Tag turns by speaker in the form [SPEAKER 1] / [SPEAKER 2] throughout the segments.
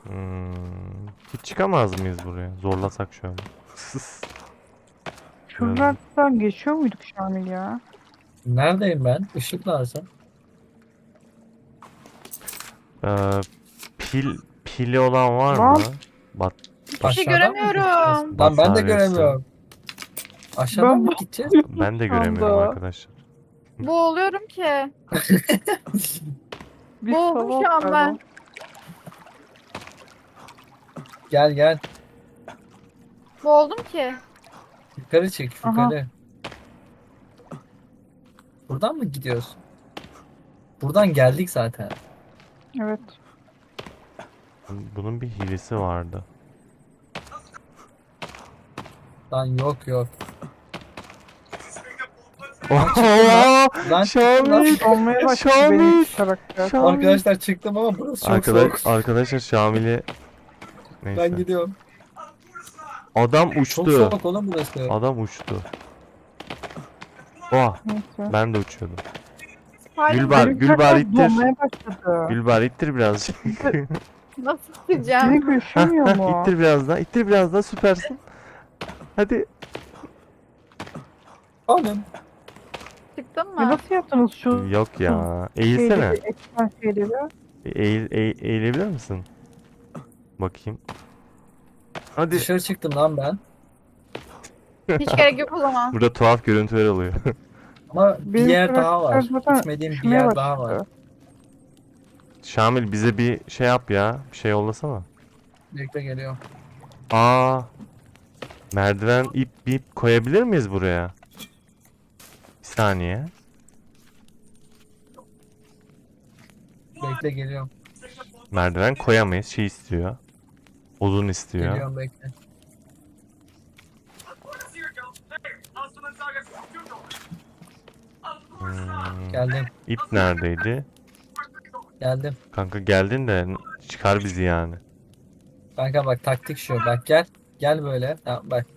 [SPEAKER 1] Hiç çıkamaz mıyız buraya? Zorlasak şöyle. Biraz-
[SPEAKER 2] Şuradan geçiyor muyduk Şamil ya?
[SPEAKER 3] Neredeyim ben? Işık lazım.
[SPEAKER 1] Ee, pili olan var
[SPEAKER 2] Lan
[SPEAKER 1] mı? Bat,
[SPEAKER 4] Hiçbir
[SPEAKER 1] bat,
[SPEAKER 4] şey
[SPEAKER 3] Aşağıdan mı gideceğiz?
[SPEAKER 4] göremiyorum.
[SPEAKER 3] Lan ben de
[SPEAKER 1] bataryası.
[SPEAKER 3] göremiyorum. Aşağıdan
[SPEAKER 2] ben
[SPEAKER 3] mı
[SPEAKER 2] bu
[SPEAKER 3] gideceğiz?
[SPEAKER 1] Ben de
[SPEAKER 2] şu
[SPEAKER 1] göremiyorum
[SPEAKER 2] anda.
[SPEAKER 1] arkadaşlar.
[SPEAKER 4] Boğuluyorum ki.
[SPEAKER 2] Bir
[SPEAKER 4] Boğuldum
[SPEAKER 2] salak
[SPEAKER 4] şu an
[SPEAKER 2] galiba.
[SPEAKER 4] ben.
[SPEAKER 3] Gel gel.
[SPEAKER 4] Boğuldum ki.
[SPEAKER 3] Yukarı çık
[SPEAKER 2] Aha.
[SPEAKER 3] yukarı. Buradan mı gidiyoruz? Buradan geldik zaten.
[SPEAKER 2] Evet.
[SPEAKER 1] Bunun bir hilesi vardı.
[SPEAKER 3] Lan yok yok.
[SPEAKER 1] Oho!
[SPEAKER 3] Lan çıktım lan.
[SPEAKER 1] Şamil!
[SPEAKER 2] Olmaya başladı benim
[SPEAKER 1] Şamil!
[SPEAKER 2] şu karakter.
[SPEAKER 1] Şamil!
[SPEAKER 3] Arkadaşlar çıktım ama burası çok soğuk.
[SPEAKER 1] Arkadaşlar Şamil'i
[SPEAKER 3] Ben
[SPEAKER 1] neyse.
[SPEAKER 3] gidiyorum.
[SPEAKER 1] Adam
[SPEAKER 3] Çok
[SPEAKER 1] uçtu.
[SPEAKER 3] soğuk oğlum burası.
[SPEAKER 1] Adam uçtu. Oh,
[SPEAKER 2] Neyse.
[SPEAKER 1] ben de uçuyordum.
[SPEAKER 4] Hala
[SPEAKER 1] Gülbar,
[SPEAKER 2] Benim
[SPEAKER 1] Gülbar
[SPEAKER 2] karakter
[SPEAKER 1] ittir.
[SPEAKER 2] donmaya başladı.
[SPEAKER 1] Gülbar ittir birazcık.
[SPEAKER 4] nasıl
[SPEAKER 2] Beni
[SPEAKER 4] sileceğim?
[SPEAKER 2] görüşemiyor mu?
[SPEAKER 1] ittir biraz daha. İttir biraz daha, süpersin. Hadi.
[SPEAKER 3] Oğlum.
[SPEAKER 4] Çıktın
[SPEAKER 2] Ya
[SPEAKER 4] mı?
[SPEAKER 2] nasıl yaptınız şu
[SPEAKER 1] Yok ya. Eğilsene.
[SPEAKER 2] şeyleri, ekran şeyleri?
[SPEAKER 1] Eğilebilir misin? Bakayım. Hadi.
[SPEAKER 3] Dışarı çıktım lan ben.
[SPEAKER 4] Hiç gerek yok o zaman.
[SPEAKER 1] Burada tuhaf görüntüler oluyor.
[SPEAKER 3] Ama bir
[SPEAKER 2] Benim
[SPEAKER 3] yer daha
[SPEAKER 2] karakter
[SPEAKER 3] var.
[SPEAKER 2] zaten
[SPEAKER 3] Gitmediğim bir
[SPEAKER 2] üşümeye
[SPEAKER 3] yer daha var.
[SPEAKER 2] başladı.
[SPEAKER 1] Şamil bize bir şey yap ya. Bir şey yollasana.
[SPEAKER 3] Bekle geliyorum.
[SPEAKER 1] Aa. Merdiven ip koyabilir miyiz buraya? Bir saniye.
[SPEAKER 3] Bekle geliyorum.
[SPEAKER 1] Merdiven koyamayız. Şey istiyor. Odun istiyor.
[SPEAKER 3] Geliyorum bekle. Geldim.
[SPEAKER 1] İp neredeydi?
[SPEAKER 3] Geldim.
[SPEAKER 1] Kanka geldin de çıkar bizi yani.
[SPEAKER 3] Kanka bak taktik şu. Bak gel. Gel böyle. Ha, bak.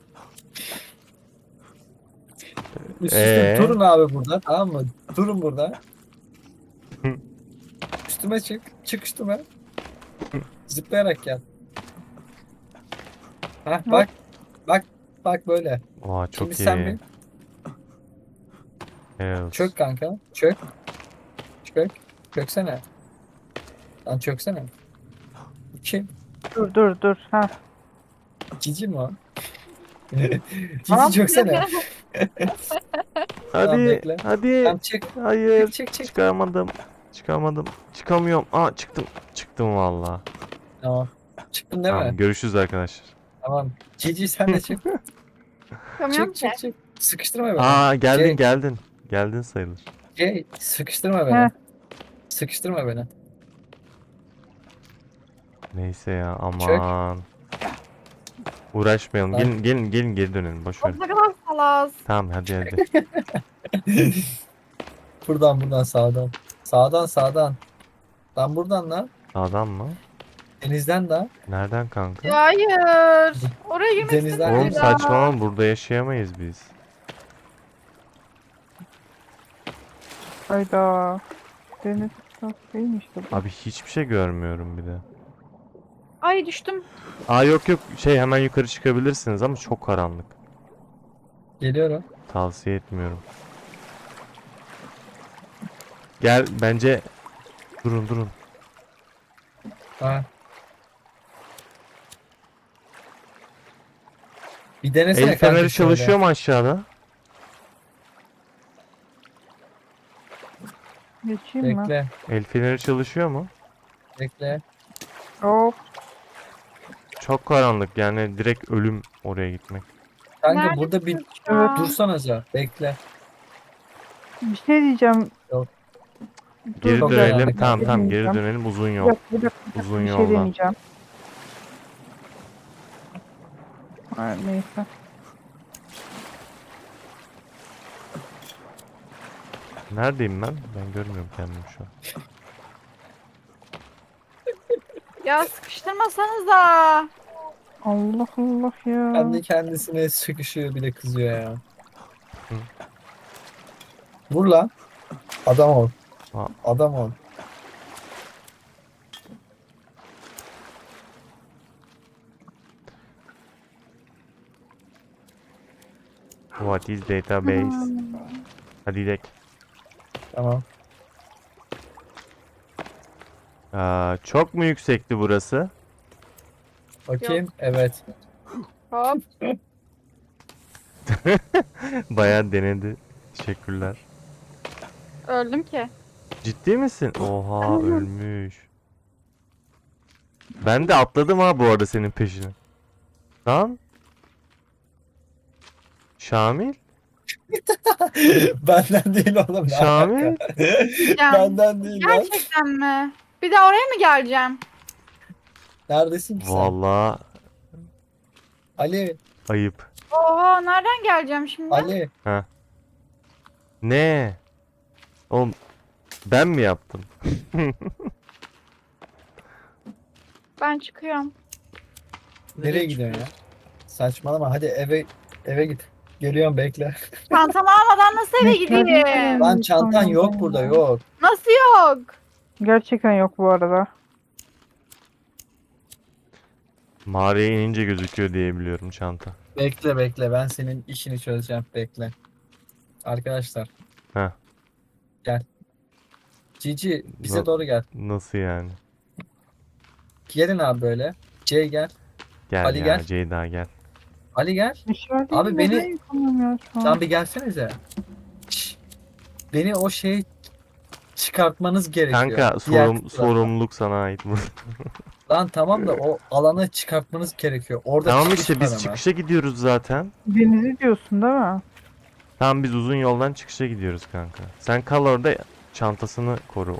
[SPEAKER 3] Üst üste
[SPEAKER 1] Ee?
[SPEAKER 3] durun abi burada. Tamam mı? Durun burada. Üstüme çık. Çık üstüme. Zıplayarak gel. Ha bak. Bak. Bak böyle.
[SPEAKER 1] Aa,
[SPEAKER 3] Şimdi
[SPEAKER 1] çok
[SPEAKER 3] sen
[SPEAKER 1] iyi.
[SPEAKER 3] bir
[SPEAKER 1] Evet.
[SPEAKER 3] çök kanka. Çök. Çök. Çöksene. Lan çöksene. Kim?
[SPEAKER 2] Dur. Ha.
[SPEAKER 3] Cici mi o?
[SPEAKER 2] Tamam.
[SPEAKER 3] Cici çöksene. Tamam
[SPEAKER 1] Hadi.
[SPEAKER 3] bekle.
[SPEAKER 1] Hadi.
[SPEAKER 3] Tamam çık.
[SPEAKER 1] Hayır.
[SPEAKER 3] Çık.
[SPEAKER 1] Çıkamadım. Çıkamadım. Çıkamıyorum. Aa, çıktım. Çıktım valla.
[SPEAKER 3] Tamam. Çıktın değil
[SPEAKER 1] Tamam,
[SPEAKER 3] mi?
[SPEAKER 1] görüşürüz arkadaşlar.
[SPEAKER 3] Tamam. Cici sen de çık.
[SPEAKER 4] Çıkamıyorum
[SPEAKER 3] Çık
[SPEAKER 4] ki.
[SPEAKER 3] çık çık. Sıkıştırma beni.
[SPEAKER 1] Aa, geldin
[SPEAKER 3] Şey,
[SPEAKER 1] geldin. Geldin sayılır.
[SPEAKER 3] sıkıştırma beni.
[SPEAKER 2] Heh.
[SPEAKER 3] Sıkıştırma beni.
[SPEAKER 1] Neyse ya,
[SPEAKER 3] Çök.
[SPEAKER 1] aman. Uğraşmayalım.
[SPEAKER 3] Lan.
[SPEAKER 1] Gelin geri dönelim. Boş ver.
[SPEAKER 4] O ne kadar salaz.
[SPEAKER 1] Tamam, hadi.
[SPEAKER 3] Buradan sağdan. Sağdan. Lan buradan lan.
[SPEAKER 1] Sağdan mı?
[SPEAKER 3] Denizden de.
[SPEAKER 1] Nereden kanka?
[SPEAKER 4] Ya hayır. Oraya girmek
[SPEAKER 3] Denizden
[SPEAKER 4] istemiyorum
[SPEAKER 1] Oğlum
[SPEAKER 3] geliyor.
[SPEAKER 4] ya.
[SPEAKER 1] saçmalama, burada yaşayamayız biz.
[SPEAKER 2] Hayda. Deniz değilmiş de bu.
[SPEAKER 1] Abi hiçbir şey görmüyorum bir de.
[SPEAKER 4] Ay düştüm.
[SPEAKER 1] Aa, yok şey, hemen yukarı çıkabilirsiniz ama çok karanlık.
[SPEAKER 3] Geliyorum.
[SPEAKER 1] Tavsiye etmiyorum. Gel bence, durun.
[SPEAKER 3] Ha. Bir denesene
[SPEAKER 1] El feneri
[SPEAKER 3] kanka şöyle.
[SPEAKER 1] çalışıyor mu aşağıda?
[SPEAKER 2] Geçeyim mi?
[SPEAKER 3] Bekle.
[SPEAKER 1] El feneri çalışıyor mu?
[SPEAKER 3] Bekle.
[SPEAKER 2] Hop.
[SPEAKER 1] Çok karanlık yani, direkt ölüm oraya gitmek.
[SPEAKER 3] Kanka
[SPEAKER 4] Nerede
[SPEAKER 3] burada bir
[SPEAKER 4] şu an?
[SPEAKER 3] dursanaca. Bekle.
[SPEAKER 2] Bir şey diyeceğim.
[SPEAKER 3] Yok.
[SPEAKER 1] Geri
[SPEAKER 3] Çok
[SPEAKER 1] dönelim.
[SPEAKER 3] karanlık.
[SPEAKER 1] Tamam, geri
[SPEAKER 2] Diyeceğim.
[SPEAKER 1] dönelim, uzun
[SPEAKER 2] Bir
[SPEAKER 1] yol.
[SPEAKER 2] dakika, bir dakika,
[SPEAKER 1] Uzun
[SPEAKER 2] bir şey
[SPEAKER 1] yoldan.
[SPEAKER 2] deneyeceğim. Ha, neyse.
[SPEAKER 1] Neredeyim ben? Ben görmüyorum kendimi şu an.
[SPEAKER 4] Ya sıkıştırmasanıza.
[SPEAKER 2] Allah Allah ya.
[SPEAKER 3] Kendi kendisine sıkışıyor bir de kızıyor ya.
[SPEAKER 1] Hı.
[SPEAKER 3] Vur lan. Adam ol.
[SPEAKER 1] Aa.
[SPEAKER 3] Adam ol.
[SPEAKER 1] What is database? Hadi gidelim.
[SPEAKER 3] Tamam.
[SPEAKER 1] Çok mu yüksekti burası?
[SPEAKER 3] Bakayım. Evet.
[SPEAKER 4] Hop.
[SPEAKER 1] Bayağı denedi. Teşekkürler.
[SPEAKER 4] Öldüm ki.
[SPEAKER 1] Ciddi misin? Oha ölmüş. Ben de atladım ha bu arada senin peşine. Lan. Şamil?
[SPEAKER 3] Benden değil oğlum. ne
[SPEAKER 1] Şamil?
[SPEAKER 3] alaka?
[SPEAKER 4] Ya,
[SPEAKER 3] Benden değil lan.
[SPEAKER 4] gerçekten mi? Bir de oraya mı geleceğim?
[SPEAKER 3] Neredesin ki sen?
[SPEAKER 1] Vallahi
[SPEAKER 3] Ali.
[SPEAKER 1] ayıp.
[SPEAKER 4] Oha, nereden geleceğim şimdi?
[SPEAKER 3] Ali.
[SPEAKER 1] Ne? Oğlum ben mi yaptım?
[SPEAKER 4] Ben çıkıyorum.
[SPEAKER 3] Nereye gidiyorsun ya? Saçmalama. Hadi eve git. Geliyorum bekle.
[SPEAKER 4] Çantamı almadan nasıl eve gideyim?
[SPEAKER 3] Lan çantan yok burada yok.
[SPEAKER 4] Nasıl yok?
[SPEAKER 2] Gerçekten yok bu arada.
[SPEAKER 1] Mağaraya inince gözüküyor diye biliyorum çanta.
[SPEAKER 3] Bekle ben senin işini çözeceğim bekle. Arkadaşlar.
[SPEAKER 1] Heh.
[SPEAKER 3] Gel. Cici bize
[SPEAKER 1] No-
[SPEAKER 3] doğru gel.
[SPEAKER 1] Nasıl yani?
[SPEAKER 3] Gelin abi böyle. C gel.
[SPEAKER 1] Gel
[SPEAKER 3] Ali
[SPEAKER 1] ya
[SPEAKER 3] gel.
[SPEAKER 1] Ceyda gel.
[SPEAKER 3] Ali gel.
[SPEAKER 2] Dışarıda
[SPEAKER 3] Abi beni-
[SPEAKER 2] neden yapamıyorum ya şu an?
[SPEAKER 3] Sen bir gelsenize. Şşş. Beni o şey çıkartmanız gerekiyor.
[SPEAKER 1] Kanka
[SPEAKER 3] Diğer kısımdan.
[SPEAKER 1] sorumluluk sana ait.
[SPEAKER 3] Lan tamam da o alanı çıkartmanız gerekiyor. Orada
[SPEAKER 1] Tamam
[SPEAKER 3] çıkış
[SPEAKER 1] işte
[SPEAKER 3] var
[SPEAKER 1] biz
[SPEAKER 3] ama.
[SPEAKER 1] çıkışa gidiyoruz zaten.
[SPEAKER 2] Denizi diyorsun değil mi?
[SPEAKER 1] Tamam biz uzun yoldan çıkışa gidiyoruz kanka. Sen kal orada çantasını koru.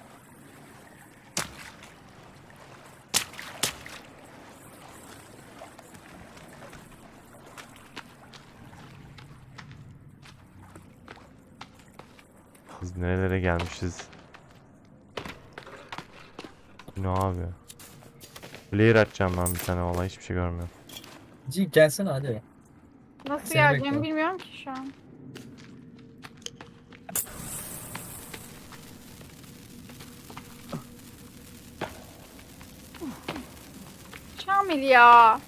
[SPEAKER 1] Kız nerelere gelmişiz. Ne abi? Player açacağım ben bir tane vallahi hiçbir şey görmüyorum.
[SPEAKER 3] Cici gelsene hadi.
[SPEAKER 4] Nasıl
[SPEAKER 3] Seni
[SPEAKER 4] geleceğimi
[SPEAKER 3] bekliyorum.
[SPEAKER 4] bilmiyorum ki şu an. Şamil ya.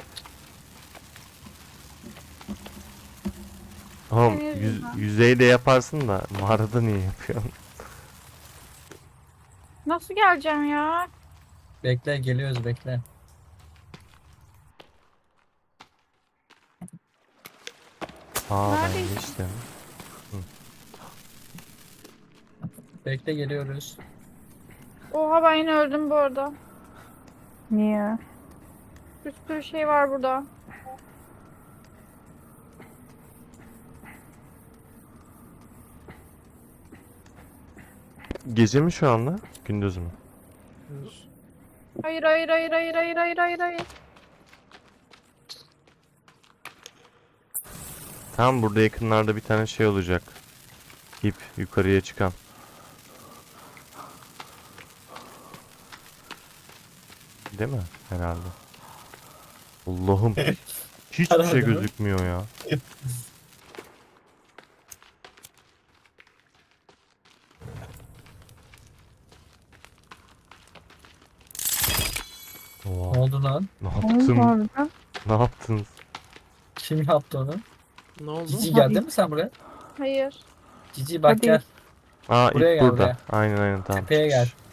[SPEAKER 1] Oğlum
[SPEAKER 4] Senin yüzünden.
[SPEAKER 1] yüzeyde yaparsın da mağarada niye yapıyorsun?
[SPEAKER 4] Nasıl geleceğim ya?
[SPEAKER 3] Bekle geliyoruz bekle.
[SPEAKER 1] Aa ben
[SPEAKER 4] Neredesin?
[SPEAKER 1] geçtim.
[SPEAKER 3] Bekle geliyoruz.
[SPEAKER 4] Oha, ben yine öldüm bu arada.
[SPEAKER 2] Niye?
[SPEAKER 4] Bir sürü şey var burada.
[SPEAKER 1] Gece mi şu anda? Gündüz mü?
[SPEAKER 4] Hayır hayır hayır hayır hayır hayır hayır hayır.
[SPEAKER 1] Tam burada yakınlarda bir tane şey olacak. İp yukarıya çıkan. Değil mi? Herhalde. Allah'ım. Hiçbir
[SPEAKER 3] Herhalde
[SPEAKER 1] şey
[SPEAKER 3] mi?
[SPEAKER 1] gözükmüyor ya.
[SPEAKER 3] Ne
[SPEAKER 1] Oha,
[SPEAKER 3] oldu lan?
[SPEAKER 1] ne
[SPEAKER 2] Oğlum
[SPEAKER 1] yaptın?
[SPEAKER 2] harbiden.
[SPEAKER 1] Ne yaptınız?
[SPEAKER 3] Kim yaptı onu?
[SPEAKER 5] Ne oldu?
[SPEAKER 3] Cici geldin mi sen buraya?
[SPEAKER 4] Hayır.
[SPEAKER 3] Cici bak
[SPEAKER 2] Hadi.
[SPEAKER 3] gel.
[SPEAKER 1] Aa
[SPEAKER 3] Buraya
[SPEAKER 1] ip
[SPEAKER 3] gel,
[SPEAKER 1] burada.
[SPEAKER 3] buraya.
[SPEAKER 1] Aynen tamam.
[SPEAKER 3] Tepeye gel.
[SPEAKER 1] çıkış.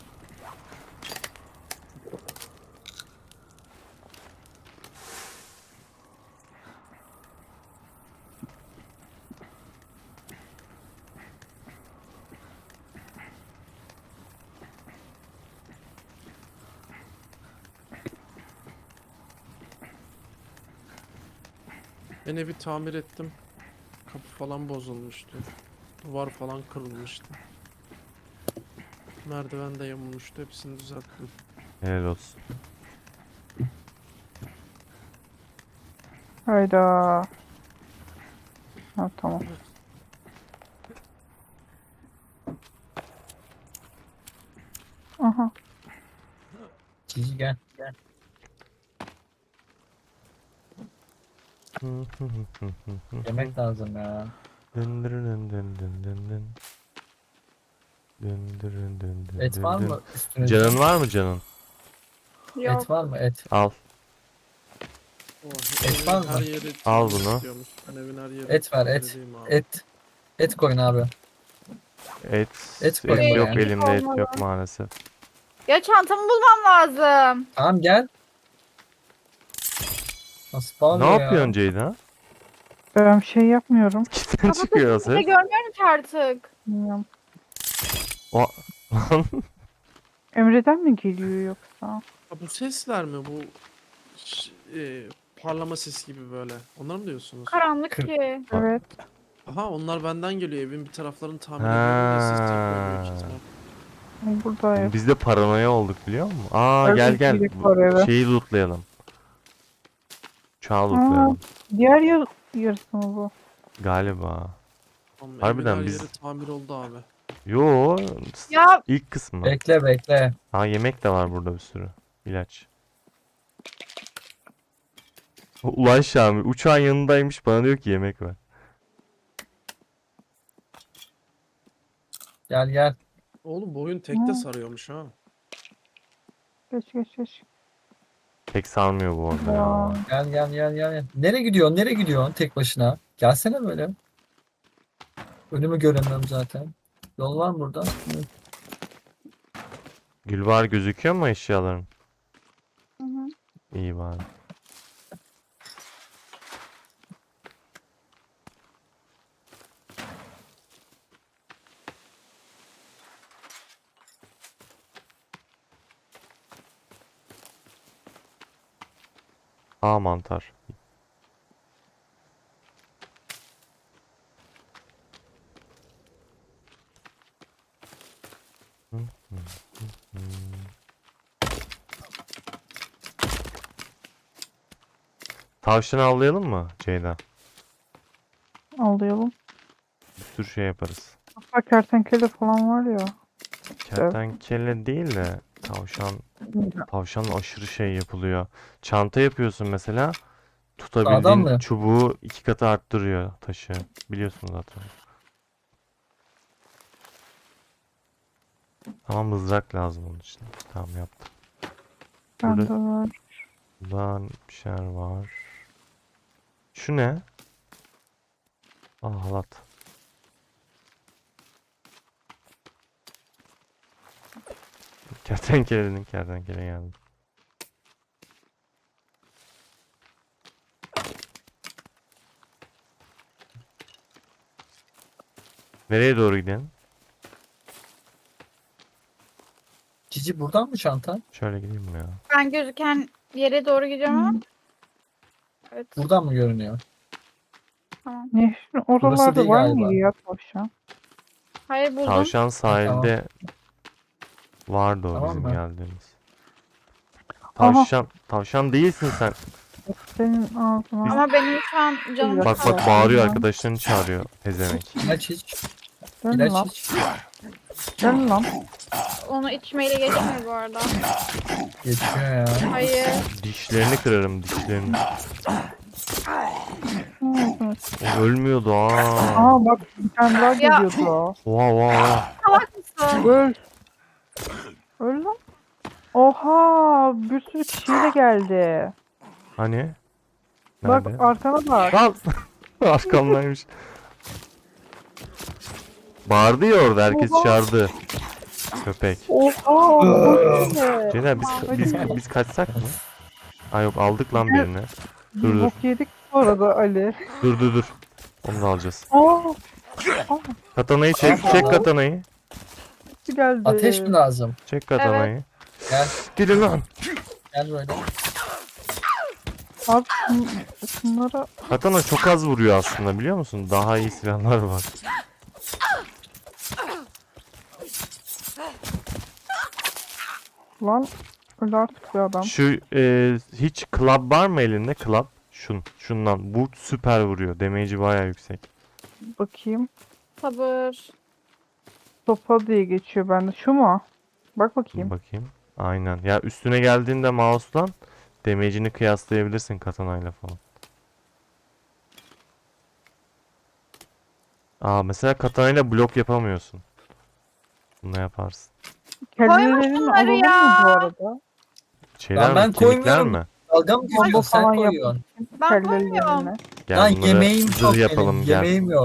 [SPEAKER 5] Ben evi tamir ettim. Kapı falan bozulmuştu. Duvar falan kırılmıştı. Merdiven de yamulmuştu. Hepsini düzelttim.
[SPEAKER 1] Helal olsun.
[SPEAKER 2] Hayda. Ha tamam. Aha.
[SPEAKER 3] Cici gel. Gel. Yemek lazım ya.
[SPEAKER 1] Dın dın dın dın dın dın dın. Dın dın dın dın
[SPEAKER 3] Et
[SPEAKER 1] dın
[SPEAKER 3] var
[SPEAKER 1] dın.
[SPEAKER 3] mı üstünüzde?
[SPEAKER 1] Canın var mı canın?
[SPEAKER 4] Yok.
[SPEAKER 3] Et var mı et?
[SPEAKER 1] Al.
[SPEAKER 5] Oh,
[SPEAKER 3] Et
[SPEAKER 5] evin
[SPEAKER 3] var
[SPEAKER 5] her
[SPEAKER 3] mı?
[SPEAKER 5] yeri
[SPEAKER 1] Al
[SPEAKER 5] temiz
[SPEAKER 1] bunu.
[SPEAKER 5] istiyormuş. Ben evin her yeri
[SPEAKER 3] Et var, et.
[SPEAKER 5] temizleyeyim abi.
[SPEAKER 3] Et. Et koyun abi.
[SPEAKER 1] Et,
[SPEAKER 3] Et koyun
[SPEAKER 1] et yok
[SPEAKER 3] buraya.
[SPEAKER 1] elimde, et
[SPEAKER 4] Olmalı.
[SPEAKER 1] yok maalesef.
[SPEAKER 4] Ya çantamı bulmam lazım.
[SPEAKER 3] Tamam gel. Nasıl
[SPEAKER 1] Ne
[SPEAKER 3] bağırıyor
[SPEAKER 1] yapıyorsun
[SPEAKER 3] ya?
[SPEAKER 1] Ceyda?
[SPEAKER 2] Ben bir şey yapmıyorum.
[SPEAKER 1] Kitten çıkıyor
[SPEAKER 4] Kapatın
[SPEAKER 1] ses.
[SPEAKER 4] görmüyorum ki artık.
[SPEAKER 2] Bilmiyorum.
[SPEAKER 1] O...
[SPEAKER 2] Emre'den mi geliyor yoksa?
[SPEAKER 5] Ha, bu sesler mi? Bu parlama ses gibi böyle. Onlar mı diyorsunuz?
[SPEAKER 4] Karanlık
[SPEAKER 3] Kır-
[SPEAKER 4] ki.
[SPEAKER 2] Evet.
[SPEAKER 5] Aha onlar benden geliyor. Evin bir taraflarını tamir ediyorum da ses yapıyor büyük
[SPEAKER 1] Ha.
[SPEAKER 5] ihtimal.
[SPEAKER 2] Buradayım.
[SPEAKER 1] Biz de paranoya olduk biliyor musun? Aa
[SPEAKER 2] Herkes
[SPEAKER 1] gel gel.
[SPEAKER 2] iyilik var eve.
[SPEAKER 1] Şeyi lootlayalım. Uçağı lootlayalım.
[SPEAKER 2] Diğer yarısı mı bu?
[SPEAKER 1] Galiba.
[SPEAKER 5] Tamam,
[SPEAKER 1] Harbiden
[SPEAKER 5] evin her
[SPEAKER 1] biz-
[SPEAKER 5] yeri tamir oldu abi.
[SPEAKER 1] Yo.
[SPEAKER 4] Ya
[SPEAKER 1] İlk kısmı.
[SPEAKER 3] Bekle bekle.
[SPEAKER 1] Ha yemek de var burada bir sürü. İlaç. Ulan Şamil uçağın yanındaymış bana diyor ki yemek var.
[SPEAKER 3] Gel gel.
[SPEAKER 5] Oğlum bu oyun tekte
[SPEAKER 2] Hı.
[SPEAKER 5] sarıyormuş ha.
[SPEAKER 2] Geç geç geç.
[SPEAKER 1] Pek sarmıyor bu arada ya.
[SPEAKER 2] Ya.
[SPEAKER 3] Gel gel gel gel. Nereye gidiyorsun? Nereye gidiyorsun tek başına? Gelsene böyle. Önümü göremiyorum zaten. Yol var mı burada? Hı.
[SPEAKER 1] Gülbar gözüküyor mu eşyaların?
[SPEAKER 4] Hı hı.
[SPEAKER 1] İyi bari. Aa mantar. Hı, hı, hı, hı. Tavşan avlayalım mı Ceyda?
[SPEAKER 2] Alayalım.
[SPEAKER 1] Bir sürü şey yaparız.
[SPEAKER 2] Hatta kertenkele falan var ya.
[SPEAKER 1] Kertenkele değil de tavşan aşırı şey yapılıyor. Çanta yapıyorsun mesela.
[SPEAKER 3] Sağdan
[SPEAKER 1] Tutabildiğin
[SPEAKER 3] mı?
[SPEAKER 1] çubuğu 2 katı arttırıyor taşı. Biliyorsun zaten. Ama mızrak lazım onun için. Tamam yaptım.
[SPEAKER 2] Bende
[SPEAKER 1] Burada-
[SPEAKER 2] var.
[SPEAKER 1] Buradan bir şeyler var. Şu ne? Aa halat. Kertenkele geldi. Nereye doğru gidelim?
[SPEAKER 3] Cici buradan mı çantan?
[SPEAKER 1] Şöyle gideyim mi ya?
[SPEAKER 4] ben gözüken yere doğru gidiyorum ama. Evet.
[SPEAKER 3] Buradan mı görünüyor?
[SPEAKER 4] Tamam.
[SPEAKER 2] Nehrin oralarda
[SPEAKER 3] değil
[SPEAKER 2] var
[SPEAKER 3] galiba.
[SPEAKER 2] mıydı ya tavşan?
[SPEAKER 4] Hayır buldum.
[SPEAKER 1] Tavşan sahilde vardı o
[SPEAKER 3] Tamam
[SPEAKER 1] bizim
[SPEAKER 3] mı?
[SPEAKER 1] geldiğimiz.
[SPEAKER 2] Aha.
[SPEAKER 1] Tavşan değilsin sen.
[SPEAKER 2] Senin ağzına.
[SPEAKER 4] Ama benim şu an canım
[SPEAKER 2] Bak,
[SPEAKER 1] Bak
[SPEAKER 4] sıkıldı.
[SPEAKER 1] bak bağırıyor
[SPEAKER 2] Tamam.
[SPEAKER 1] arkadaşlarını çağırıyor pezevenk.
[SPEAKER 3] İlaç iç.
[SPEAKER 2] Gel
[SPEAKER 3] İlaç
[SPEAKER 2] lan.
[SPEAKER 3] iç.
[SPEAKER 2] Gel lan.
[SPEAKER 4] Onu içmeyle geçmiyor bu arada.
[SPEAKER 3] Geçiyor ya.
[SPEAKER 4] Hayır.
[SPEAKER 1] Dişlerini kırarım dişlerini.
[SPEAKER 2] Evet.
[SPEAKER 1] O ölmüyordu aa.
[SPEAKER 2] Aa bak bir tane daha geliyordu.
[SPEAKER 1] Oha oha.
[SPEAKER 4] Salak mısın?
[SPEAKER 2] Öl. Öl lan. Oha bir sürü kişiyle geldi.
[SPEAKER 1] Hani?
[SPEAKER 2] Bak
[SPEAKER 1] Nerede?
[SPEAKER 2] arkana bak.
[SPEAKER 1] Lan! Arkamdaymış. Bağırdı ya orada herkes
[SPEAKER 2] Oha.
[SPEAKER 1] çağırdı. Köpek.
[SPEAKER 2] Oha. bu ne?
[SPEAKER 1] Ceyda biz kaçsak mı? Aa yok aldık lan birini.
[SPEAKER 2] Biz
[SPEAKER 1] Dur dur.
[SPEAKER 2] bok yedik bu arada Ali.
[SPEAKER 1] Dur. Onu da alacağız.
[SPEAKER 2] Aa.
[SPEAKER 1] Katanayı çek katanayı.
[SPEAKER 2] Hepsi geldi.
[SPEAKER 3] Ateş mi lazım?
[SPEAKER 1] Çek katanayı.
[SPEAKER 3] Gel.
[SPEAKER 1] Gidin lan.
[SPEAKER 3] Gel böyle.
[SPEAKER 2] Abi şunlara
[SPEAKER 1] Katana çok az vuruyor aslında biliyor musun? Daha iyi silahlar var.
[SPEAKER 2] lan öl artık bir adam.
[SPEAKER 1] Şu hiç club var mı elinde? Club. Şundan. Bu süper vuruyor. Damage'i bayağı yüksek.
[SPEAKER 2] Bakayım.
[SPEAKER 4] Sabır.
[SPEAKER 2] Sopa diye geçiyor bende. Şu mu? Bak bakayım.
[SPEAKER 1] Bakayım. Aynen. Ya üstüne geldiğinde mouse'dan damage'ini kıyaslayabilirsin katanayla falan. Aa mesela katanayla blok yapamıyorsun. Bunu yaparsın.
[SPEAKER 2] Kellelerini
[SPEAKER 4] şunları
[SPEAKER 2] alalım mı
[SPEAKER 4] ya.
[SPEAKER 2] bu arada?
[SPEAKER 1] Şeyler
[SPEAKER 3] ben
[SPEAKER 1] mi? Kemikler
[SPEAKER 3] koymuyorum.
[SPEAKER 1] mi?
[SPEAKER 3] Dalga mı
[SPEAKER 2] Bomba
[SPEAKER 3] geçiyorsun? Sen
[SPEAKER 2] falan
[SPEAKER 3] koyuyorsun.
[SPEAKER 4] Ben
[SPEAKER 2] Kellelerine.
[SPEAKER 4] koymuyorum.
[SPEAKER 1] Gel
[SPEAKER 3] Lan
[SPEAKER 1] bunları
[SPEAKER 3] yemeğim yok
[SPEAKER 1] zırh
[SPEAKER 3] benim.
[SPEAKER 1] yapalım gel.
[SPEAKER 3] Yemeğim yok.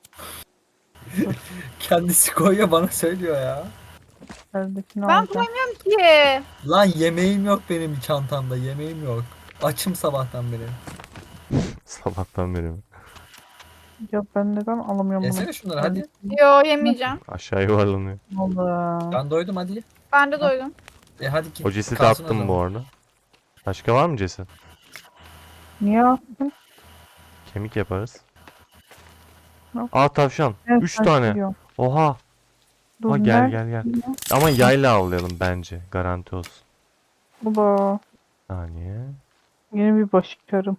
[SPEAKER 3] Kendisi koyuyor bana söylüyor ya.
[SPEAKER 2] Eldekini
[SPEAKER 4] Ben
[SPEAKER 2] alacağım.
[SPEAKER 4] koymuyorum ki.
[SPEAKER 3] Lan yemeğim yok benim çantamda. Yemeğim yok. Açım sabahtan beri.
[SPEAKER 1] Sabahtan beri mi?
[SPEAKER 2] Ya ben neden alamıyorum bunu?
[SPEAKER 3] Yesene şunları hadi.
[SPEAKER 4] Yo yemeyeceğim.
[SPEAKER 1] Aşağı yuvarlanıyor.
[SPEAKER 2] Allah.
[SPEAKER 3] Ben doydum hadi.
[SPEAKER 4] Ben de doydum.
[SPEAKER 3] Hadi git.
[SPEAKER 1] O cesedi
[SPEAKER 3] kalsın o
[SPEAKER 1] attım bu
[SPEAKER 3] zaman.
[SPEAKER 1] arada. Başka var mı ceset?
[SPEAKER 2] Niye attın?
[SPEAKER 1] Kemik yaparız.
[SPEAKER 2] Yok.
[SPEAKER 1] Aa tavşan.
[SPEAKER 2] Evet,
[SPEAKER 1] 3
[SPEAKER 2] ben
[SPEAKER 1] tane.
[SPEAKER 2] biliyorum.
[SPEAKER 1] Oha.
[SPEAKER 2] Dur,
[SPEAKER 1] Ha gel
[SPEAKER 2] nerede
[SPEAKER 1] gel gel.
[SPEAKER 2] ya?
[SPEAKER 1] Ama yayla avlayalım bence. Garanti olsun.
[SPEAKER 2] Ula.
[SPEAKER 1] Saniye.
[SPEAKER 2] Yeni bir başarım.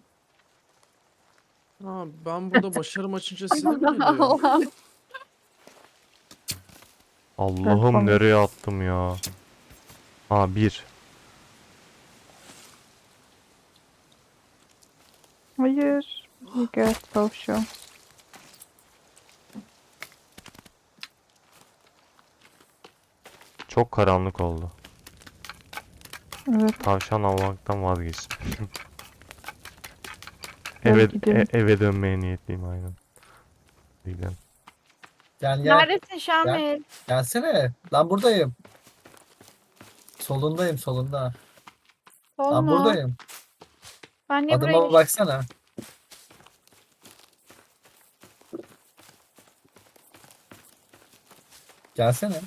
[SPEAKER 5] Ha, ben burada başarım açınca size mi geliyor?
[SPEAKER 4] Allah'ım.
[SPEAKER 1] Allah'ım
[SPEAKER 2] tamam.
[SPEAKER 1] nereye attım ya. Ha 1.
[SPEAKER 2] Hayır. İyi gel tavşan.
[SPEAKER 1] Çok karanlık oldu.
[SPEAKER 2] Evet.
[SPEAKER 1] Tavşan avlamaktan vazgeçtim.
[SPEAKER 2] Gel
[SPEAKER 1] eve,
[SPEAKER 2] gidelim.
[SPEAKER 1] eve dönmeye niyetliyim aynen. Gidelim.
[SPEAKER 3] Gel gel.
[SPEAKER 4] Neredesin Şamil?
[SPEAKER 3] Gelsene. Lan buradayım. Solundayım solunda. Lan
[SPEAKER 4] Olma.
[SPEAKER 3] buradayım.
[SPEAKER 4] Ben niye buraya
[SPEAKER 3] Adıma
[SPEAKER 4] geçtim?
[SPEAKER 3] baksana. Gelsene.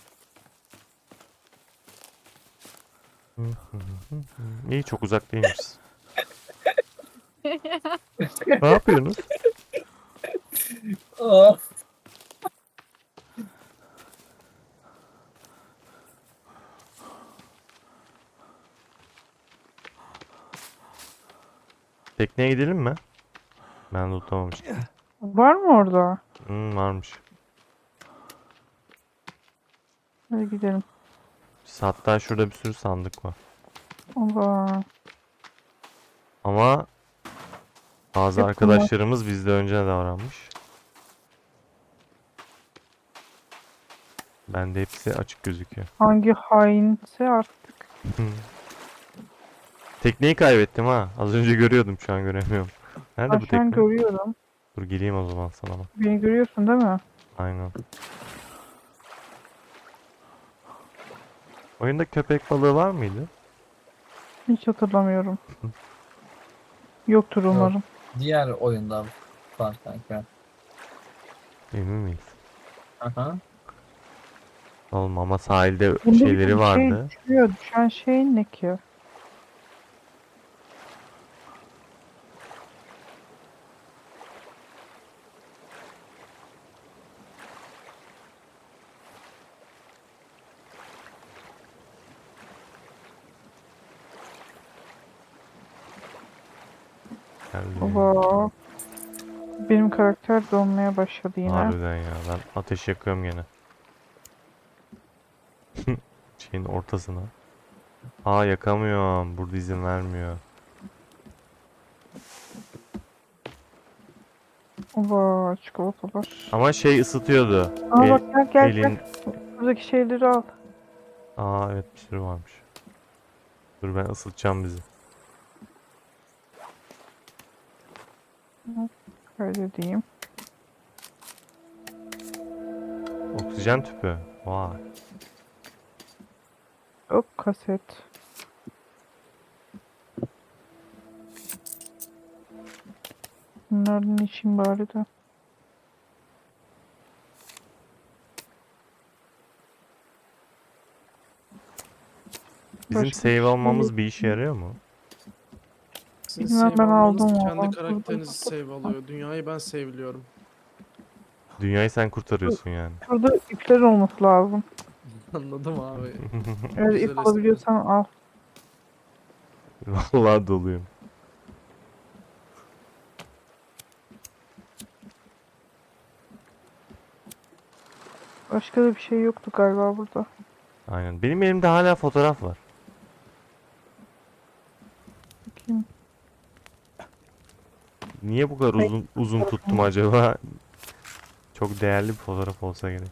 [SPEAKER 1] İyi çok uzak değilmişiz. Ne yapıyorsunuz?
[SPEAKER 3] Oh.
[SPEAKER 1] Tekneye gidelim mi? Ben de tutamamıştım.
[SPEAKER 2] Var mı orada?
[SPEAKER 1] Varmış.
[SPEAKER 2] Hadi gidelim.
[SPEAKER 1] Hatta şurada bir sürü sandık var.
[SPEAKER 2] Allah.
[SPEAKER 1] Ama bazı
[SPEAKER 2] Hep
[SPEAKER 1] arkadaşlarımız bizde önce davranmış. Bende hepsi açık gözüküyor.
[SPEAKER 2] Hangi hainse artık.
[SPEAKER 1] Tekneyi kaybettim ha. Az önce görüyordum şu an göremiyorum. Nerede
[SPEAKER 2] Ben
[SPEAKER 1] bu
[SPEAKER 2] şu an
[SPEAKER 1] tekne?
[SPEAKER 2] görüyorum.
[SPEAKER 1] Dur geleyim o zaman sana bak.
[SPEAKER 2] Beni görüyorsun değil mi?
[SPEAKER 1] Aynen. Oyunda köpek balığı var mıydı?
[SPEAKER 2] Hiç hatırlamıyorum. Yoktur umarım.
[SPEAKER 3] Diğer oyundan var kanka.
[SPEAKER 1] Emin miyiz?
[SPEAKER 3] Aha.
[SPEAKER 1] Oğlum ama sahilde
[SPEAKER 2] Bunda
[SPEAKER 1] şeyleri
[SPEAKER 2] bir
[SPEAKER 1] vardı.
[SPEAKER 2] Şey düşüyor. Düşen şey ne ki?
[SPEAKER 1] Geldi.
[SPEAKER 2] Baba. Benim karakter donmaya başladı yine.
[SPEAKER 1] Harbiden ya. Ben ateş yakıyorum gene. Şeyin ortasına. Aa yakamıyorum. Burada izin vermiyor.
[SPEAKER 2] Baba çikolatalar.
[SPEAKER 1] Ama şey ısıtıyordu.
[SPEAKER 2] Aa
[SPEAKER 1] El-
[SPEAKER 2] bak gel gel
[SPEAKER 1] elin...
[SPEAKER 2] gel. Buradaki şeyleri al.
[SPEAKER 1] Aa evet bir sürü varmış. Dur ben ısıtacağım bizi.
[SPEAKER 2] Kaydedeyim.
[SPEAKER 1] Oksijen tüpü. Vay.
[SPEAKER 2] Hop kaset. Bunlardan için bari de.
[SPEAKER 1] Bizim
[SPEAKER 2] Başka
[SPEAKER 1] save
[SPEAKER 2] bir şey
[SPEAKER 1] almamız
[SPEAKER 2] yok.
[SPEAKER 1] bir işe yarıyor mu?
[SPEAKER 5] Sizin
[SPEAKER 2] Bilmem,
[SPEAKER 5] save
[SPEAKER 2] ben
[SPEAKER 5] almanız
[SPEAKER 2] aldım
[SPEAKER 5] kendi
[SPEAKER 2] onu.
[SPEAKER 5] karakterinizi save alıyor. Dünyayı ben save'liyorum.
[SPEAKER 1] Dünyayı sen kurtarıyorsun yani.
[SPEAKER 2] Şurada ipler olması lazım.
[SPEAKER 5] Anladım abi.
[SPEAKER 2] Eğer
[SPEAKER 5] Güzel
[SPEAKER 2] ip
[SPEAKER 5] espri.
[SPEAKER 2] alabiliyorsan al.
[SPEAKER 1] Vallahi doluyum.
[SPEAKER 2] Başka da bir şey yoktu galiba burada.
[SPEAKER 1] Aynen. Benim elimde hala fotoğraf var.
[SPEAKER 2] Bakayım.
[SPEAKER 1] Niye bu kadar uzun tuttum acaba? Çok değerli bir fotoğraf olsa gerek.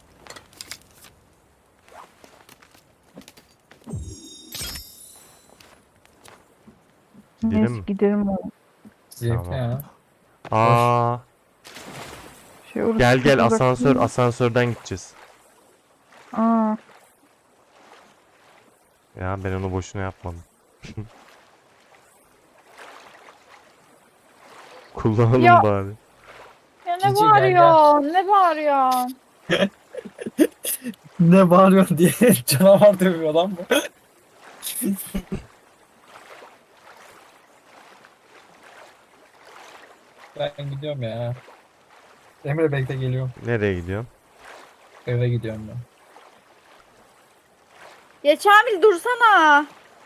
[SPEAKER 1] Gidelim
[SPEAKER 2] Neyse
[SPEAKER 1] mi?
[SPEAKER 2] gidelim.
[SPEAKER 3] Zevkli
[SPEAKER 1] Tamam.
[SPEAKER 3] ya.
[SPEAKER 1] Aa,
[SPEAKER 2] Orası
[SPEAKER 1] gel
[SPEAKER 2] çok
[SPEAKER 1] gel
[SPEAKER 2] uzak
[SPEAKER 1] asansör
[SPEAKER 2] değil mi?
[SPEAKER 1] asansörden gideceğiz.
[SPEAKER 2] Aa,
[SPEAKER 1] Ya ben onu boşuna yapmadım. Kullanalım
[SPEAKER 4] Ya,
[SPEAKER 1] bari.
[SPEAKER 4] ya ne
[SPEAKER 3] Cici, gel,
[SPEAKER 4] bağırıyorsun? Ne bağırıyorsun?
[SPEAKER 3] Ne bağırıyorsun diye canavar dövüyor lan bu. Ben gidiyorum ya. Emre bekle, geliyorum.
[SPEAKER 1] Nereye gidiyorsun?
[SPEAKER 3] Eve gidiyorum ben.
[SPEAKER 4] Ya Kamil dursana.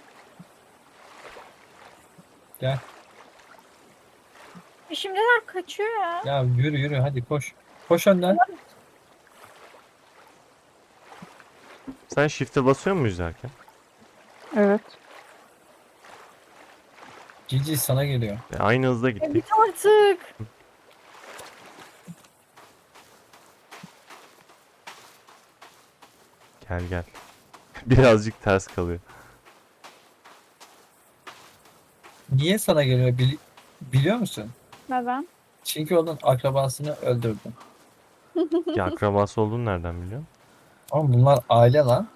[SPEAKER 3] Gel.
[SPEAKER 4] Şimdiler kaçıyor ya.
[SPEAKER 3] Ya yürü yürü, hadi koş. Koş önden.
[SPEAKER 1] Sen shift'e basıyor muyuz derken?
[SPEAKER 2] evet.
[SPEAKER 3] Cici sana geliyor.
[SPEAKER 1] Aynı hızda
[SPEAKER 4] Ya
[SPEAKER 1] gittik.
[SPEAKER 4] git artık.
[SPEAKER 1] Gel gel. Birazcık ters kalıyor.
[SPEAKER 3] Niye sana geliyor biliyor musun?
[SPEAKER 4] Neden?
[SPEAKER 3] Çünkü onun akrabasını öldürdüm.
[SPEAKER 1] Ya akrabası olduğunu nereden biliyorsun?
[SPEAKER 3] Ama bunlar aile lan.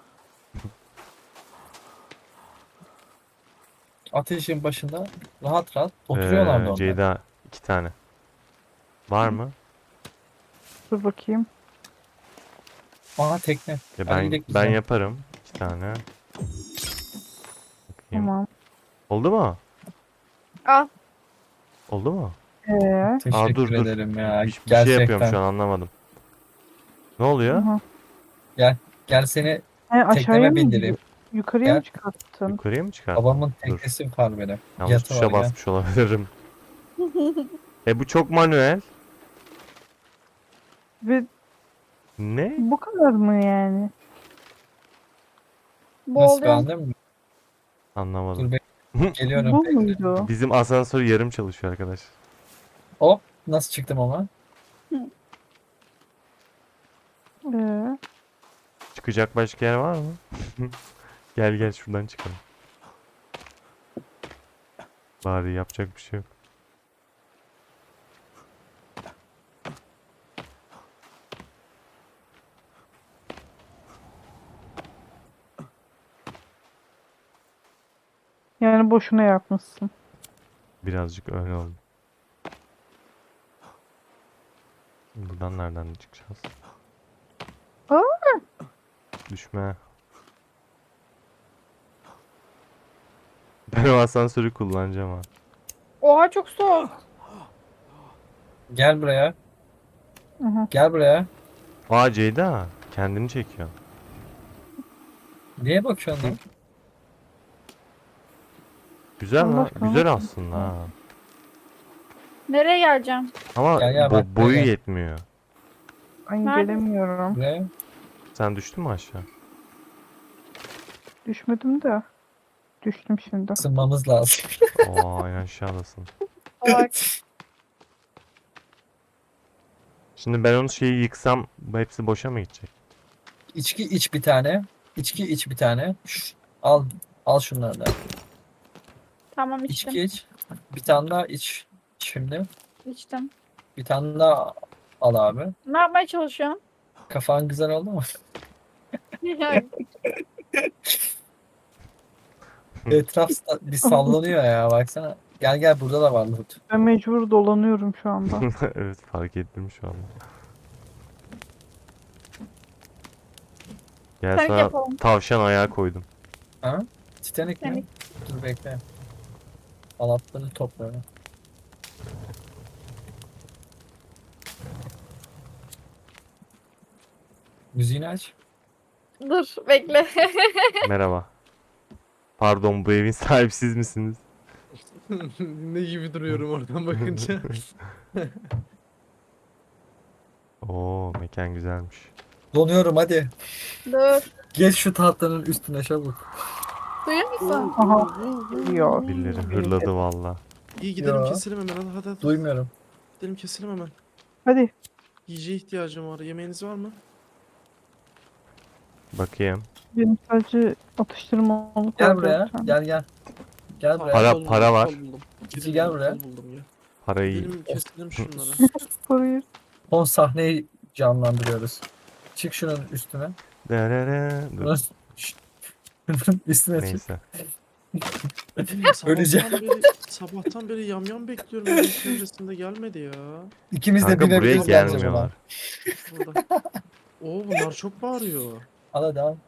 [SPEAKER 3] Ateşin başında rahat rahat oturuyorlardı onlar.
[SPEAKER 1] Ceyda 2 tane. Var mı?
[SPEAKER 2] Dur bakayım.
[SPEAKER 3] Aha, tekne.
[SPEAKER 1] Ya
[SPEAKER 3] Hadi
[SPEAKER 1] ben
[SPEAKER 3] gidelim biz
[SPEAKER 1] ben
[SPEAKER 3] de.
[SPEAKER 1] yaparım. 2 tane. Bakayım.
[SPEAKER 2] Tamam.
[SPEAKER 1] Oldu mu?
[SPEAKER 4] Al.
[SPEAKER 1] Oldu mu?
[SPEAKER 3] Teşekkür
[SPEAKER 1] dur.
[SPEAKER 3] ederim ya.
[SPEAKER 1] Bir şey yapıyorum
[SPEAKER 3] Gerçekten.
[SPEAKER 1] şu an anlamadım. Ne oluyor?
[SPEAKER 2] Aha.
[SPEAKER 3] Gel seni
[SPEAKER 2] Aşağıya
[SPEAKER 3] tekneme
[SPEAKER 2] mı
[SPEAKER 3] bindireyim.
[SPEAKER 2] Yukarıya mı
[SPEAKER 3] Gel.
[SPEAKER 2] çıkarttın?
[SPEAKER 1] Yukarıya mı çıkarttın?
[SPEAKER 3] Babamın
[SPEAKER 1] Dur.
[SPEAKER 3] teknesi var benim.
[SPEAKER 1] Yanlış
[SPEAKER 3] Yatı
[SPEAKER 1] tuşa
[SPEAKER 3] var, gel.
[SPEAKER 1] basmış olabilirim. Bu çok manuel.
[SPEAKER 2] Ve
[SPEAKER 1] Ne?
[SPEAKER 2] bu kadar mı yani?
[SPEAKER 3] Nasıl,
[SPEAKER 4] Boğuluyorum.
[SPEAKER 3] beğendin mi?
[SPEAKER 1] Anlamadım.
[SPEAKER 3] Dur, geliyorum.
[SPEAKER 2] Bu
[SPEAKER 3] Bekle.
[SPEAKER 2] muydu?
[SPEAKER 1] Bizim asansör yarım çalışıyor arkadaş.
[SPEAKER 3] Hop, nasıl çıktım ama?
[SPEAKER 2] Ee,
[SPEAKER 1] Çıkacak başka yer var mı? Gel gel şuradan çıkalım. Bari yapacak bir şey yok.
[SPEAKER 2] yani boşuna yapmışsın.
[SPEAKER 1] Birazcık öyle oldu. Buradan nereden çıkacağız?
[SPEAKER 2] Aa!
[SPEAKER 1] Düşme. Ben o asansörü kullanacağım ha.
[SPEAKER 4] Oha çok soğuk.
[SPEAKER 3] Gel buraya.
[SPEAKER 2] Aha.
[SPEAKER 3] Gel buraya.
[SPEAKER 1] Aa Ceyda kendini çekiyor.
[SPEAKER 3] Niye bakıyorsun lan?
[SPEAKER 1] Güzel
[SPEAKER 2] Allah
[SPEAKER 1] lan.
[SPEAKER 2] aşkına,
[SPEAKER 1] Güzel
[SPEAKER 2] nasıl
[SPEAKER 1] aslında ha.
[SPEAKER 4] Nereye geleceğim?
[SPEAKER 1] Ama
[SPEAKER 3] Gel, bak,
[SPEAKER 1] boyu
[SPEAKER 3] gel.
[SPEAKER 1] yetmiyor.
[SPEAKER 2] Ben
[SPEAKER 4] Nerede?
[SPEAKER 2] gelemiyorum.
[SPEAKER 3] Buraya.
[SPEAKER 1] Sen düştün mü aşağı?
[SPEAKER 2] Düşmedim de. Düştüm şimdi.
[SPEAKER 3] Isınmamız lazım.
[SPEAKER 1] Oo en aşağıdasın.
[SPEAKER 4] Bak.
[SPEAKER 1] Şimdi ben onu şeyi yıksam bu hepsi boşa mı gidecek?
[SPEAKER 3] İçki iç bir tane. İçki iç bir tane. Al. Al şunları da.
[SPEAKER 4] Tamam içtim.
[SPEAKER 3] İçki iç. Bir tane daha iç. Şimdi.
[SPEAKER 4] İçtim.
[SPEAKER 3] Bir tane daha al abi.
[SPEAKER 4] Ne yapmaya çalışıyorsun?
[SPEAKER 3] Kafan güzel oldu mu? Etraf bir sallanıyor ya, baksana. Gel gel, burada da var loot.
[SPEAKER 2] Ben mecbur dolanıyorum şu anda.
[SPEAKER 1] Evet fark ettim şu anda. Gel
[SPEAKER 4] Sen
[SPEAKER 1] sana
[SPEAKER 4] yapalım.
[SPEAKER 1] tavşan ayağı koydum.
[SPEAKER 3] Ha? Titanic mi?
[SPEAKER 4] Titanic.
[SPEAKER 3] Dur bekle. Halatları topluyorum. Müziğini aç.
[SPEAKER 4] Dur bekle.
[SPEAKER 1] Merhaba. Pardon bu evin sahibi siz misiniz?
[SPEAKER 5] Ne gibi duruyorum oradan bakınca.
[SPEAKER 1] Oo mekan güzelmiş.
[SPEAKER 3] Donuyorum, hadi.
[SPEAKER 4] Dur.
[SPEAKER 3] Geç şu tahtanın üstüne çabuk.
[SPEAKER 4] Duyuyor musun?
[SPEAKER 2] Aha. Yok.
[SPEAKER 1] Birileri hırladı valla.
[SPEAKER 5] İyi gidelim
[SPEAKER 3] Ya.
[SPEAKER 5] keselim hemen, hadi.
[SPEAKER 3] Duymuyorum.
[SPEAKER 5] Gidelim keselim hemen.
[SPEAKER 2] Hadi.
[SPEAKER 5] Yiyeceğe ihtiyacım var. Yemeğiniz var mı?
[SPEAKER 1] Bakayım.
[SPEAKER 2] Benim sadece atıştırmalık
[SPEAKER 3] Gel
[SPEAKER 2] var
[SPEAKER 3] buraya.
[SPEAKER 2] zaten.
[SPEAKER 3] Gel gel. Gel
[SPEAKER 5] Tamam,
[SPEAKER 3] buraya.
[SPEAKER 1] Para-
[SPEAKER 5] kol
[SPEAKER 1] para
[SPEAKER 5] buldum,
[SPEAKER 1] var.
[SPEAKER 5] kol buldum.
[SPEAKER 3] Cici gel buraya.
[SPEAKER 5] Kol buldum ya.
[SPEAKER 1] Parayı
[SPEAKER 5] Gidelim keselim şunları.
[SPEAKER 2] Parayı.
[SPEAKER 3] Son sahneyi canlandırıyoruz. Çık şunun üstüne.
[SPEAKER 1] Dur,
[SPEAKER 3] Üstüne çık.
[SPEAKER 1] neyse.
[SPEAKER 3] Öleceğim.
[SPEAKER 5] Sabahtan beri yamyam bekliyorum. Evin çevresinde gelmedi ya.
[SPEAKER 3] İkimiz de
[SPEAKER 1] Kanka buraya
[SPEAKER 3] binebiliriz bence buna.
[SPEAKER 1] gelmiyorlar.
[SPEAKER 5] Burada. Oo, bunlar çok bağırıyor.
[SPEAKER 3] Al hadi al.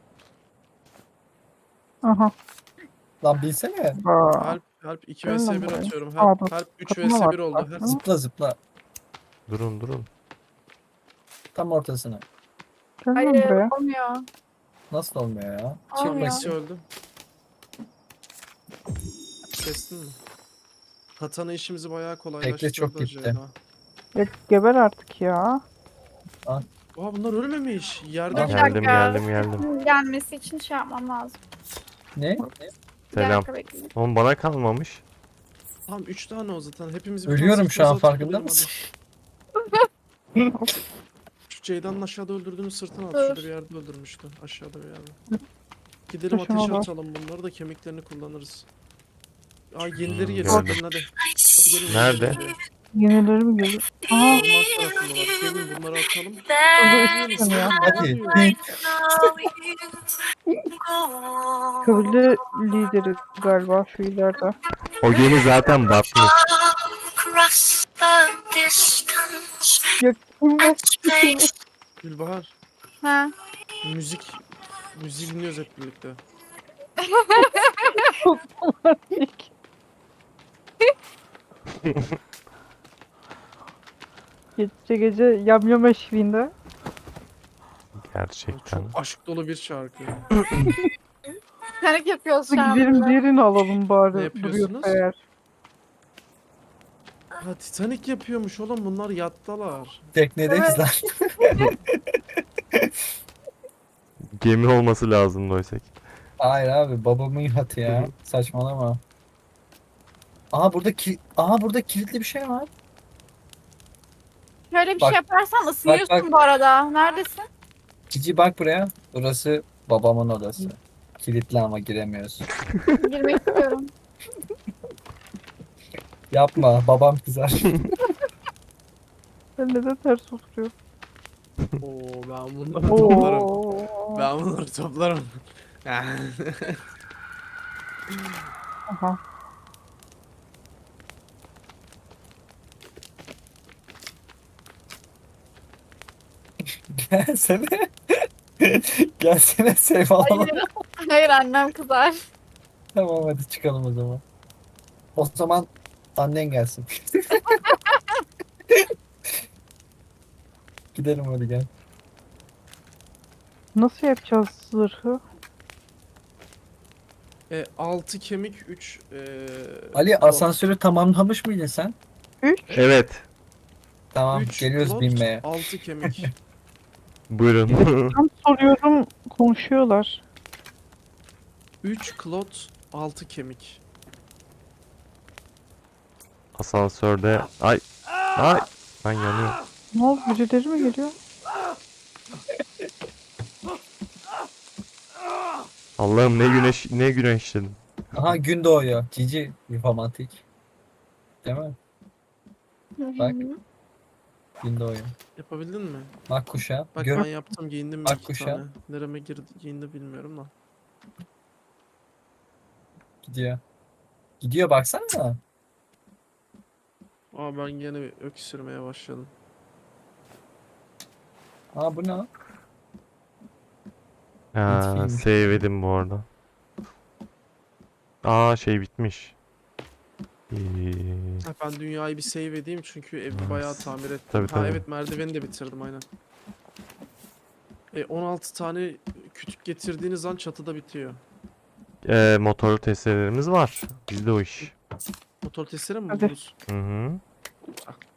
[SPEAKER 2] Aha.
[SPEAKER 3] Lan binsene.
[SPEAKER 2] Aa.
[SPEAKER 5] Help 2
[SPEAKER 2] Gelin
[SPEAKER 5] vs
[SPEAKER 2] lan
[SPEAKER 5] 1
[SPEAKER 2] buraya.
[SPEAKER 5] atıyorum.
[SPEAKER 2] Aa,
[SPEAKER 5] Help,
[SPEAKER 2] dur.
[SPEAKER 5] help 3
[SPEAKER 2] Kapına
[SPEAKER 5] vs
[SPEAKER 2] bak,
[SPEAKER 5] 1 oldu.
[SPEAKER 2] bak.
[SPEAKER 5] Help.
[SPEAKER 3] Zıpla zıpla.
[SPEAKER 1] Durun.
[SPEAKER 3] Tam ortasına.
[SPEAKER 2] Gel lan
[SPEAKER 4] Hayır
[SPEAKER 2] buraya.
[SPEAKER 4] olmuyor.
[SPEAKER 3] Nasıl olmuyor ya?
[SPEAKER 5] Çık
[SPEAKER 4] Olmuyor.
[SPEAKER 5] Maxi öldü. Kestin mi? Katana işimizi bayağı kolaylaştırdı.
[SPEAKER 3] çok gitti.
[SPEAKER 5] Ceyda.
[SPEAKER 2] Ya, geber artık ya.
[SPEAKER 5] Aa, bunlar ölmemiş. Yerde
[SPEAKER 3] Aa,
[SPEAKER 4] Bir
[SPEAKER 1] Geldim,
[SPEAKER 4] dakika.
[SPEAKER 1] geldim.
[SPEAKER 4] Gelmesi için şey yapmam lazım.
[SPEAKER 3] Ne?
[SPEAKER 4] Bir
[SPEAKER 1] Selam.
[SPEAKER 4] dakika bekleyin.
[SPEAKER 1] Oğlum bana kalmamış.
[SPEAKER 5] Tamam 3 tane o zaten. Hepimiz bir
[SPEAKER 3] Ölüyorum
[SPEAKER 5] tanesi
[SPEAKER 3] şu an
[SPEAKER 5] uzatıp
[SPEAKER 3] farkında
[SPEAKER 5] gidelim
[SPEAKER 3] mısın?
[SPEAKER 5] hadi. Şu Ceyda'nın aşağıda öldürdüğünü sırtına at.
[SPEAKER 4] Dur.
[SPEAKER 5] Şurada bir yerde öldürmüştü. Aşağıda bir yerde. Gidelim
[SPEAKER 2] Taşıma
[SPEAKER 5] ateşe
[SPEAKER 2] var.
[SPEAKER 5] atalım bunları da kemiklerini kullanırız. Aa yenileri
[SPEAKER 1] gördüm.
[SPEAKER 5] geliyor. Gelin hadi. Hadi gelin.
[SPEAKER 1] Nerede?
[SPEAKER 5] yenileri geliyor.
[SPEAKER 2] Yenileri mi geliyor? Aha.
[SPEAKER 5] Orman tarafındalar. Gelin bunları atalım.
[SPEAKER 2] Hızlı üstün ya.
[SPEAKER 3] Hadi.
[SPEAKER 2] Köylü lideri galiba şu ileride.
[SPEAKER 1] O gemi zaten batmış.
[SPEAKER 2] Ya kim bu?
[SPEAKER 5] Gülbahar.
[SPEAKER 4] Ha.
[SPEAKER 5] Müzik dinliyoruz hep birlikte.
[SPEAKER 2] Gece yamyam eşliğinde.
[SPEAKER 1] Gerçekten.
[SPEAKER 5] Çok aşk dolu bir şarkı.
[SPEAKER 4] Panik yapıyoruz şu an.
[SPEAKER 2] Gidelim diğerini alalım
[SPEAKER 5] Ne
[SPEAKER 2] bari.
[SPEAKER 5] yapıyorsunuz?
[SPEAKER 2] Duruyorsa eğer.
[SPEAKER 5] Ha Titanic yapıyormuş oğlum bunlar yattalar.
[SPEAKER 3] Teknedeyiz lan.
[SPEAKER 1] Gemi olması lazım oysa ki.
[SPEAKER 3] Hayır abi babamın yatı ya. Saçmalama. Aha burada kilitli bir şey var.
[SPEAKER 4] Şöyle bir
[SPEAKER 3] Bak,
[SPEAKER 4] şey yaparsan ısınıyorsun
[SPEAKER 3] bak.
[SPEAKER 4] bu arada. Neredesin?
[SPEAKER 3] Cici bak buraya. Burası babamın odası. Kilitli ama giremiyoruz.
[SPEAKER 4] Girmek istiyorum.
[SPEAKER 3] Yapma babam kızar.
[SPEAKER 2] Ben neden ters oturuyor?
[SPEAKER 5] Oo ben bunları toplarım.
[SPEAKER 2] Oo.
[SPEAKER 5] Ben bunları toplarım.
[SPEAKER 2] Aha.
[SPEAKER 3] Gelsene. Gelsene Seyf alalım.
[SPEAKER 4] Hayır. Hayır annem kızar.
[SPEAKER 3] Tamam hadi çıkalım o zaman. O zaman annen gelsin. Gidelim hadi gel.
[SPEAKER 2] Nasıl yapacağız zırhı?
[SPEAKER 5] 6 kemik 3
[SPEAKER 3] Ali asansörü tamamlamış mıydın sen?
[SPEAKER 2] 3.
[SPEAKER 1] Evet.
[SPEAKER 3] Tamam geliyoruz binmeye.
[SPEAKER 5] 6 kemik.
[SPEAKER 1] Buyurun.
[SPEAKER 2] Tam soruyorum konuşuyorlar.
[SPEAKER 5] 3 klot 6 kemik.
[SPEAKER 1] Asansörde. Ay. Ben yanıyorum.
[SPEAKER 2] Ne oldu? Birileri mi geliyor?
[SPEAKER 1] Allah'ım ne güneşledim.
[SPEAKER 3] Aha gün doğuyor. Cici romantik. Değil mi? Bak. Gün doğuyor.
[SPEAKER 5] Yapabildin mi?
[SPEAKER 3] Bak kuşa.
[SPEAKER 5] Bak
[SPEAKER 3] Gör.
[SPEAKER 5] ben yaptım giyindim
[SPEAKER 3] Bak
[SPEAKER 5] bir iki
[SPEAKER 3] kuşa.
[SPEAKER 5] tane. Nereme giyindi bilmiyorum da.
[SPEAKER 3] Gidiyor. Gidiyor baksana.
[SPEAKER 5] Aa ben gene bir öksürmeye başladım.
[SPEAKER 3] Aa bu ne?
[SPEAKER 1] Ha,
[SPEAKER 3] Bitkiymiş.
[SPEAKER 1] save edin bu arada. Şey bitmiş.
[SPEAKER 5] Ha, ben dünyayı bir save edeyim çünkü evi
[SPEAKER 1] Nice.
[SPEAKER 5] bayağı tamir ettim.
[SPEAKER 1] Tabii,
[SPEAKER 5] Ha
[SPEAKER 1] tabii.
[SPEAKER 5] evet merdiveni de bitirdim aynen. 16 tane kütük getirdiğiniz an çatıda bitiyor.
[SPEAKER 1] Motorlu testerelerimiz var. Bizde o iş.
[SPEAKER 5] Motor testere mi
[SPEAKER 2] Hadi.
[SPEAKER 5] buldunuz?
[SPEAKER 1] Hı hı.
[SPEAKER 5] Ah,